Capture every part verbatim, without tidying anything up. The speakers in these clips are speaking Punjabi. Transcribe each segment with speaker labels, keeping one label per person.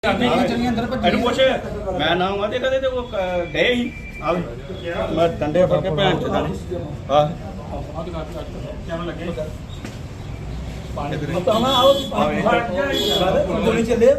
Speaker 1: ਇਹਨੂੰ ਪੁੱਛ ਮੈਂ ਨਾ ਆਵਾਂ ਤੇ ਕਦੇ ਤੇ ਉਹ ਗਏ ਹੀ ਆ ਮੈਂ ਡੰਡੇ ਫੜ ਕੇ ਭੈਣ ਚ ਦਾਣੀ ਆ ਕਿਉਂ ਲੱਗੇ ਪਾਣੀ ਦੇ ਪਤਾ ਨਾ ਆਓ ਗੋਲੀ ਚੱਲੇ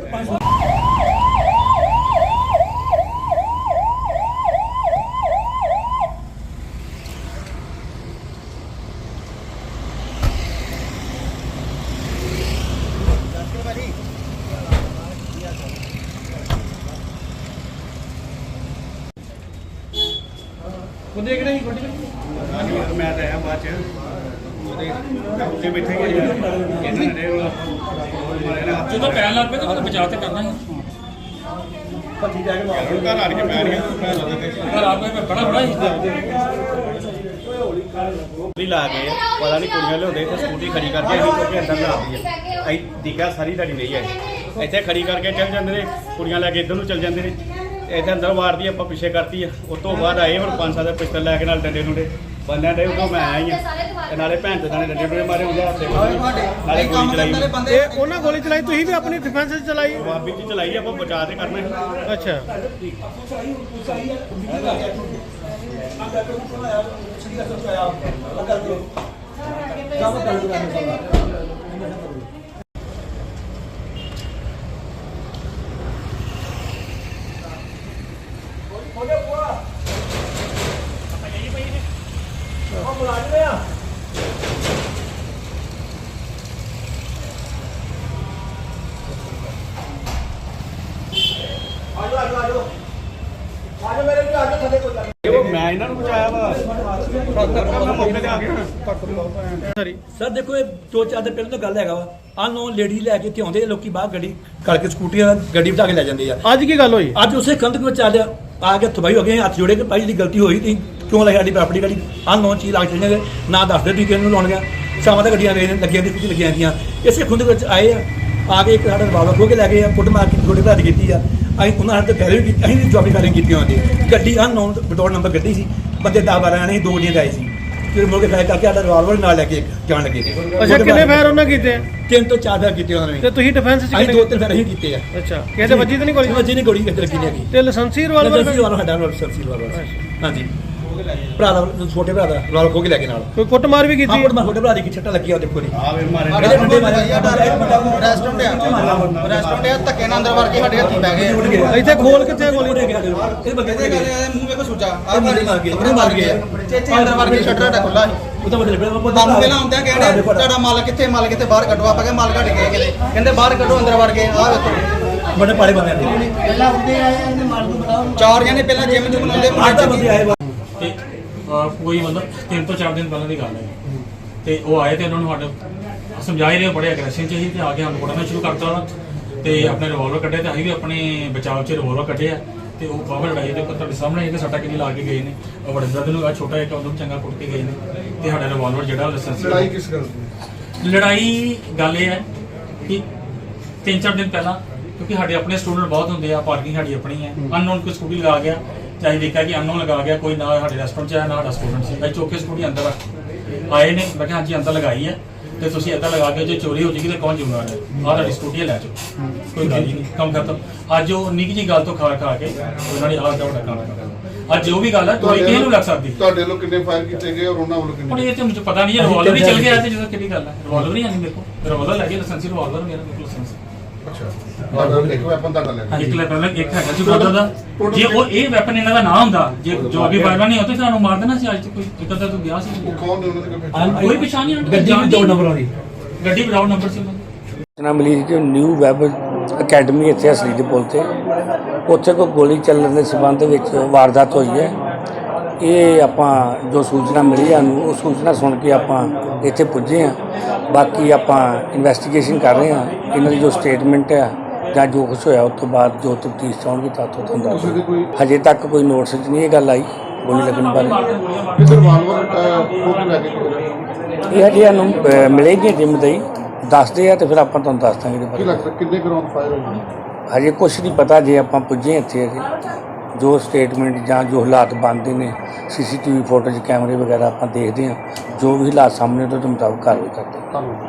Speaker 1: ਉਹਦੇ ਕਿਹੜਾ ਹੀ ਗੱਡੀ ਮੈਂ ਤਾਂ ਆਇਆ ਬਾਅਦ ਚ ਉਹਦੇ ਉੱਤੇ ਬੈਠੇ ਗਏ ਇਹਨਾਂ ਨੇ
Speaker 2: ਜਦੋਂ ਪੈਣ ਲੱਗ ਪਏ ਤਾਂ ਉਹਨੂੰ ਬਚਾ ਤੇ ਕਰਨਾ ਹੀ
Speaker 1: ਭੱਜੀ ਜਾ ਕੇ ਮਾਰ ਘਰ ਆਣ ਕੇ ਪੈਰ ਗਿਆ
Speaker 2: ਘਰ ਆ ਕੇ ਬੜਾ ਬੜਾ ਹੀ
Speaker 1: ਵੀ ਲਾ ਗਏ ਪਤਾ ਨਹੀਂ ਕੁੜੀਆਂ ਲਿਆਉਂਦੇ ਤੇ ਸਕੂਟੀ ਖੜੀ ਕਰਕੇ ਅਸੀਂ ਚੁੱਕ ਕੇ ਅੰਦਰ ਲਾਤੀ ਹੈ ਅਸੀਂ ਦਿਖਿਆ ਸਾਰੀ ਤੁਹਾਡੀ ਨਹੀਂ ਹੈ ਇੱਥੇ ਖੜੀ ਕਰਕੇ ਚੱਲ ਜਾਂਦੇ ਨੇ ਕੁੜੀਆਂ ਲੈ ਕੇ ਇੱਧਰ ਨੂੰ ਚੱਲ ਜਾਂਦੇ ਨੇ ਇੱਥੇ ਅੰਦਰ ਵਾਰਦੀ ਆਪਾਂ ਪਿੱਛੇ ਕਰਤੀ ਆ ਉਸ ਤੋਂ ਬਾਅਦ ਆਏ ਹੁਣ ਪੰਜ ਸੱਤ ਪਿਸਤਲ ਲੈ ਕੇ ਨਾਲ ਡੰਡੇ ਡੁੰਡੇ ਬੰਦਿਆਂ ਦੇ ਉਦੋਂ ਮੈਂ ਆਇਆ ਹੀ ਆ ਤੇ ਨਾਲੇ ਭੈਣ ਤੇ ਨਾਲੇ ਡੰਡੇ ਡੁੰਡੇ ਮਾਰੇ ਹੁੰਦੇ ਹੱਥੇ ਨਾਲੇ ਗੋਲੀ ਚਲਾਈ
Speaker 3: ਇਹ ਉਹਨਾਂ ਗੋਲੀ ਚਲਾਈ ਤੁਸੀਂ ਵੀ ਆਪਣੀ ਡਿਫੈਂਸ ਚ ਚਲਾਈ
Speaker 1: ਬਾਬੀ ਜੀ ਚਲਾਈ ਆਪਾਂ ਬਚਾ ਤੇ ਕਰਨਾ
Speaker 3: ਅੱਛਾ
Speaker 1: ਮੈਂ ਇਹਨਾਂ ਨੂੰ ਬਚਾਇਆ ਵਾ ਮੌਕੇ ਤੇ ਆ ਗਿਆ
Speaker 3: ਸਰੀ
Speaker 2: ਸਰ ਦੇਖੋ ਇਹ ਦੋ ਚਾਰ ਦਿਨ ਪਹਿਲਾਂ ਤਾਂ ਗੱਲ ਹੈਗਾ ਵਾ ਅਨਨੋਨ ਲੇਡੀ ਲੈ ਕੇ ਇੱਥੇ ਆਉਂਦੇ ਲੋਕੀ ਬਾਹਰ ਗੱਡੀ ਕਰਕੇ ਸਕੂਟੀਆਂ ਗੱਡੀ ਬਿਠਾ ਕੇ ਲੈ ਜਾਂਦੇ ਆ
Speaker 3: ਅੱਜ ਕੀ ਗੱਲ ਹੋਈ
Speaker 2: ਅੱਜ ਉਸੇ ਕੰਧ ਵਿੱਚ ਆ ਲਿਆ ਆ ਕੇ ਤਬਾਈ ਹੋ ਗਏ ਹੱਥ ਜੋੜੇ ਕਿ ਭਾਈ ਦੀ ਗਲਤੀ ਹੋਈ ਤੀ ਕਿਉਂ ਲੈ ਸਾਡੀ ਪ੍ਰਾਪਰਟੀ ਗੱਡੀ ਅਨਨੋਨ ਚੀਜ਼ ਲੱਗ ਚੁੱਕੀਆਂ ਨਾ ਦੱਸਦੇ ਤੁਸੀਂ ਕਿਹਨੂੰ ਲਾਉਣੀਆਂ ਸ਼ਾਮਾਂ ਤੱਕ ਗੱਡੀਆਂ ਲੱਗੀਆਂ ਦੀ ਕੁਝ ਲੱਗੀਆਂ ਗਈਆਂ ਇਸੇ ਖੁੰਦ ਵਿੱਚ ਆਏ ਆ ਆ ਕੇ ਇੱਕ ਸਾਡਾ ਰਿਵਾਲਵਰ ਖੋਹ ਕੇ ਲੈ ਗਏ ਆ ਫੁੱਟ ਮਾਰ ਕੇ ਥੋੜੇ ਭਰਾ ਦੀ ਕੀਤੀ ਆ ਅਸੀਂ ਉਹਨਾਂ ਨੇ ਫੈਰੀ ਕੀਤੀ ਅਸੀਂ ਵੀ ਜੌਬੀ ਫਾਇਰਿੰਗ ਕੀਤੀ ਹੁੰਦੀ ਗੱਡੀ ਅਨਨੋਨ ਬਟੋਰ ਨੰਬਰ ਗੱਡੀ ਸੀ ਬੰਦੇ ਦਸ ਬਾਰਾਂ ਆਣੇ ਸੀ ਦੋ ਗੱਡੀਆਂ ਆਏ ਸੀ ਫਿਰ ਮੁੜ ਕੇ ਫਾਇਰ ਕਰਕੇ ਸਾਡਾ ਰਿਵਾਲਵਰ ਨਾਲ ਲੈ ਕੇ ਜਾਣ ਲੱਗੇ
Speaker 3: ਅੱਛਾ ਕਿੰਨੇ ਫਾਇਰ ਉਹਨਾਂ ਕੀਤੇ
Speaker 2: ਤਿੰਨ ਤੋਂ ਚਾਰ ਫਾਇਰ ਕੀਤੇ ਉਹਨਾਂ ਨੇ
Speaker 3: ਤੇ ਤੁਸੀਂ ਡਿਫੈਂਸ ਚ
Speaker 2: ਅਸੀਂ
Speaker 3: ਕਿੰਨੇ
Speaker 2: ਦੋ ਤਿੰਨ ਫਾਇਰ ਅਸੀਂ ਕੀਤੇ ਆ
Speaker 3: ਅੱਛਾ ਕਿਸੇ ਦੇ ਵੱਜੀ ਤਾਂ ਨਹੀਂ ਗੋਲੀ
Speaker 2: ਵੱਜੀ ਨਹੀਂ ਗੋਲੀ ਕਿਤੇ ਲੱਗੀ ਨਹੀਂ ਹੈਗੀ
Speaker 3: ਤੇ ਲਾਇਸੈਂਸੀ ਰਿਵਾਲਵਰ
Speaker 2: ਲਾਇਸੈਂਸੀ ਵਾਲਾ ਸਾਡਾ ਲਾਇਸੈਂਸੀ ਵਾਲਾ ਹਾਂਜੀ ਭਰਾ ਦਾ ਛੋਟੇ ਭਰਾ ਦਾ ਰਿਵਾਲਵਰ ਖੋਹ ਕੇ ਲੈ ਕੇ ਨਾਲ
Speaker 3: ਕੋਈ ਕੁੱਟਮਾਰ ਵੀ ਕੀਤੀ
Speaker 2: ਆਪਣਾ ਛੋਟੇ ਭਰਾ ਦੀ ਕੀ ਛੱਟਾ ਲੱਗੀ ਆ ਦੇਖੋ ਜੀ
Speaker 1: ਆ ਵੇ ਮਾਰੇ
Speaker 2: ਇਹਦੇ ਮੁੰਡੇ ਮਾਰੇ
Speaker 4: ਰੈਸਟੋਰੈਂਟ ਆ ਰੈਸਟੋਰੈਂਟ ਆ ਧੱਕੇ ਨਾਲ ਅੰਦਰ ਵੜ ਕੇ ਸਾਡੇ ਹੱਥੀ ਪੈ ਗਏ
Speaker 3: ਇੱਥੇ ਖੋਲ ਕਿੱਥੇ ਗੋਲੀ
Speaker 2: ਇਹ ਬੰਦੇ
Speaker 4: ਇਹਦੇ ਗੱਲ ਇਹਦੇ ਮੂੰਹ ਵੇਖੋ ਸੁੱਚਾ ਆ
Speaker 2: ਮਾਰ ਮਾਰ ਕੇ
Speaker 4: ਉਹਨੇ ਮਾਰ ਗਿਆ ਚੇਚੇ ਅੰਦਰ ਵੜ ਕੇ ਸ਼ਟਰ ਡਾ ਖੁੱਲਾ ਸੀ
Speaker 2: ਉਹ ਤਾਂ ਮਤਲਬ
Speaker 4: ਤੁਹਾਨੂੰ ਪਹਿਲਾਂ ਆਉਂਦਿਆਂ ਕਹਿੰਦੇ ਤੁਹਾਡਾ ਮਾਲ ਕਿੱਥੇ ਮਾਲ ਕਿੱਥੇ ਬਾਹਰ ਕੱਢੋ ਆਪਾਂ ਕਹਿੰਦੇ ਮਾਲ ਕੱਢ ਗਏ ਕਿਤੇ ਕਹਿੰਦੇ ਬਾਹਰ ਕੱਢੋ ਅੰਦਰ ਵੜ ਕੇ ਆ ਵੇਖੋ
Speaker 2: ਬੜੇ ਪਾੜੇ ਬੰਦੇ ਆਏ
Speaker 4: ਪਹਿਲਾਂ ਉੱਤੇ ਆਏ ਇਹਨੇ ਮਾਲ ਨੂੰ ਬਤਾਓ ਚਾਰ ਜਣੇ ਪਹਿਲਾਂ ਜਿਮ ਜੁਮ ਲਾਉਂਦੇ
Speaker 2: ਆਟਾ ਬੰਦੇ ਆਏ
Speaker 5: ਤੇ ਕੋਈ ਮਤਲਬ ਤਿੰਨ ਤੋਂ ਚਾਰ ਦਿਨ ਪਹਿਲਾਂ ਦੀ ਗੱਲ ਹੈ ਤੇ ਉਹ ਆਏ ਤੇ ਉਹਨਾਂ ਨੂੰ ਸਾਡੇ ਸਮਝਾਈ ਰਹੇ ਬੜੇ ਐਗਰੈਸ਼ਨ ਚ ਸੀ ਤੇ ਆ ਕੇ ਹਮ ਕੋੜਨਾ ਸ਼ੁਰੂ ਕਰਤਾ ਉਹਨਾਂ ਤੇ ਆਪਣੇ ਰਿਵਾਲਵਰ ਕੱਢੇ ਤੇ ਅਸੀਂ ਵੀ ਆਪਣੇ ਬਚਾਅ ਚ ਰਿਵਾਲਵਰ ਕੱਢੇ ਆ ਤੇ ਉਹ ਬਾਹਰ ਲੜਾਈ ਦੇ ਤੁਹਾਡੇ ਸਾਹਮਣੇ ਇਹ ਸੱਟਾ ਕਿੰਨੀ ਲਾ ਕੇ ਗਏ ਨੇ ਉਹ ਬੜੇ ਦਰਦ ਨੂੰ ਆ ਛੋਟਾ ਇੱਕ ਉਹਨੂੰ ਚੰਗਾ ਕੁੱਟ ਕੇ ਗਏ ਨੇ ਤੇ ਸਾਡਾ ਰਿਵਾਲਵਰ ਜਿਹੜਾ ਲਾਇਸੈਂਸ
Speaker 6: ਲੜਾਈ ਕਿਸ ਗੱਲ ਦੀ
Speaker 5: ਲੜਾਈ ਗੱਲ ਇਹ ਹੈ ਕਿ ਤਿੰਨ ਚਾਰ ਦਿਨ ਪਹਿਲਾਂ ਕਿਉਂਕਿ ਸਾਡੇ ਆਪਣੇ ਸਟੂਡੈਂਟ ਬਹੁਤ ਹੁੰਦੇ ਆ ਪਾਰਕਿੰਗ ਸਾਡੀ ਆਪਣੀ ਹੈ ਅਨਨੋਨ ਕੋਈ ਸਕੂਟੀ ਲਗਾ ਗਿਆ ਚਾਹੇ ਦੇਖਿਆ ਕਿ ਅਨਨੋਨ ਲਗਾ ਗਿਆ ਕੋਈ ਨਾ ਸਾਡੇ ਰੈਸਟੋਰੈਂਟ 'ਚ ਆਇਆ ਨਾ ਸਾਡਾ ਸਟੂਡੈਂਟ ਸੀ ਅਸੀਂ ਚੌਕੇ ਸਕੂਟੀ ਅੰਦਰ ਆਏ ਨੇ ਮੈਂ ਕਿਹਾ ਹਾਂਜੀ ਅੰਦਰ ਲਗਾਈ ਹੈ ਤੇ ਤੁਸੀਂ ਇੱਦਾਂ ਲਗਾ ਕੇ ਜੇ ਚੋਰੀ ਹੋ ਜਾਏਗੀ ਤਾਂ ਕੌਣ ਜ਼ਿੰਮੇਵਾਰ ਹੈ ਆਹ ਤੁਹਾਡੀ ਸਕੂਟੀ ਲੈ ਜਾਓ ਕੋਈ ਗੱਲ ਹੀ ਨਹੀਂ ਕੰਮ ਖਤਮ ਅੱਜ ਉਹ ਨਿੱਕੀ ਜਿਹੀ ਗੱਲ ਤੋਂ ਖਾ ਖਾ ਕੇ ਉਹਨਾਂ ਨੇ ਆਹ ਦਾ ਵੱਡਾ ਕੰਮ ਕਰਨਾ ਅੱਜ ਜੋ ਵੀ ਗੱਲ ਹੈ ਕੋਈ ਕਿਸੇ ਨੂੰ ਲੱਗ ਸਕਦੀ
Speaker 6: ਤੁਹਾਡੇ ਵੱਲੋਂ ਕਿੰਨੇ ਫਾਇਰ ਕੀਤੇ ਗਏ ਔਰ ਉਹਨਾਂ ਵੱਲੋਂ
Speaker 5: ਹੁਣ
Speaker 6: ਕਿੰਨੇ
Speaker 5: ਇਹ ਤੇ ਮੈਨੂੰ ਪਤਾ ਨਹੀਂ ਰਿਵਾਲਵਰ ਹੀ ਚੱਲ ਗਿਆ ਤੇ ਜਦੋਂ ਕਿਹੜੀ ਗੱਲ ਹੈ ਰਿਵਾਲਵਰ ਹੀ ਨਹੀਂ ਦੇਖੋ ਰਿਵਾਲਵਰ ਲੈ ਕੇ ਲਾਇਸੈਂਸੀ ਰਿਵਾਲਵਰ ਮੇਰਾ ਲਾਇਸੈਂਸ
Speaker 6: ਅੱਛਾ ਤੁਹਾਡਾ ਇੱਕ ਵੈਪਨ ਤੁਹਾਡਾ ਲੈ
Speaker 5: ਇੱਕ ਲੈ ਪਹਿਲਾਂ ਇੱਕ ਹੈਗਾ ਸੀ ਬੋਲਦਾ ਦਾ ਜੇ ਉਹ ਇਹ ਵੈਪਨ ਇਹਨਾਂ ਦਾ ਨਾ ਹੁੰਦਾ ਜੇ ਜੋ ਵੀ ਫਾਇਰ ਨਹੀਂ ਹੁੰਦਾ ਤੁਹਾਨੂੰ ਮਾਰ ਦੇਣਾ ਸੀ ਅੱਜ ਤੱਕ ਕੋਈ ਇੱਕ ਤਾਂ ਤੂੰ ਗਿਆ ਸੀ
Speaker 6: ਉਹ ਕੌਣ ਨੇ ਉਹਨਾਂ ਦੇ ਕੋਈ
Speaker 5: ਕੋਈ ਪਛਾਣ ਨਹੀਂ
Speaker 2: ਗੱਡੀ ਵੀ ਦੋ ਨੰਬਰ ਵਾਲੀ
Speaker 5: ਗੱਡੀ ਵਿਦਾਊਟ ਨੰਬਰ ਸੀ ਉਹਨਾਂ ਦੀ
Speaker 7: ਨਾ ਮਲੀਰ ਜੋ ਨਿਊ ਵੈਬ ਅਕੈਡਮੀ ਇੱਥੇ ਅਸਲੀ ਦੇ ਪੁੱਲ ਤੇ ਉੱਥੇ ਕੋਈ ਗੋਲੀ ਚੱਲਣ ਦੇ ਸਬੰਧ ਵਿੱਚ ਵਾਰਦਾਤ ਹੋਈ ਹੈ ਇਹ ਆਪਾਂ ਜੋ ਸੂਚਨਾ ਮਿਲੀ ਸਾਨੂੰ ਉਹ ਸੂਚਨਾ ਸੁਣ ਕੇ ਆਪਾਂ ਇੱਥੇ ਪੁੱਜੇ ਹਾਂ ਬਾਕੀ ਆਪਾਂ ਇਨਵੈਸਟੀਗੇਸ਼ਨ ਕਰ ਰਹੇ ਹਾਂ ਇਹਨਾਂ ਦੀ ਜੋ ਸਟੇਟਮੈਂਟ ਹੈ ਜਾਂ ਜੋ ਕੁਛ ਹੋਇਆ ਉਸ ਤੋਂ ਬਾਅਦ ਜੋ ਤਫਤੀਸ਼ ਚਾਹੁੰਗੀ ਤਾਂ ਤੁਹਾਨੂੰ ਦੱਸ ਹਜੇ ਤੱਕ ਕੋਈ ਨੋਟਿਸ 'ਚ ਨਹੀਂ ਇਹ ਗੱਲ ਆਈ ਗੋਲੀ ਲੱਗਣ ਬਾਰੇ
Speaker 6: ਇਹ ਰਿਵਾਲਵਰ ਕੋਲ ਲੈ ਕੇ
Speaker 7: ਇਹ ਹਜੇ ਸਾਨੂੰ ਅਹ, ਮਿਲੇਗੀ ਜਿੰਮ ਦੇ ਹੀ ਦੱਸਦੇ ਆ ਤੇ ਫਿਰ ਆਪਾਂ ਤੁਹਾਨੂੰ ਦੱਸ ਦਾਂਗੇ ਇਹਦੇ
Speaker 6: ਕੀ
Speaker 7: ਬਾਰੇ
Speaker 6: ਲੱਗਦਾ ਕਿੰਨੇ ਗਰਾਉਂਡ ਫਾਇਰ ਹੋਏ
Speaker 7: ਹਜੇ ਕੁਛ ਨਹੀਂ ਪਤਾ ਜੇ ਆਪਾਂ ਪੁੱਜੇ ਇੱਥੇ ਅਜੇ ਜੋ ਸਟੇਟਮੈਂਟ ਜਾਂ ਜੋ ਹਾਲਾਤ ਬਣਦੇ ਨੇ ਸੀਸੀਟੀਵੀ ਫੋਟੋ 'ਚ ਕੈਮਰੇ ਵਗੈਰਾ ਆਪਾਂ ਦੇਖਦੇ ਹਾਂ ਜੋ ਵੀ ਹਾਲਾਤ ਸਾਹਮਣੇ ਤੋਂ ਉਹਦੇ ਮੁਤਾਬਕ ਕਾਰਵਾਈ ਕਰਦੇ ਹਾਂ।
Speaker 6: ਧੰਨਵਾਦ।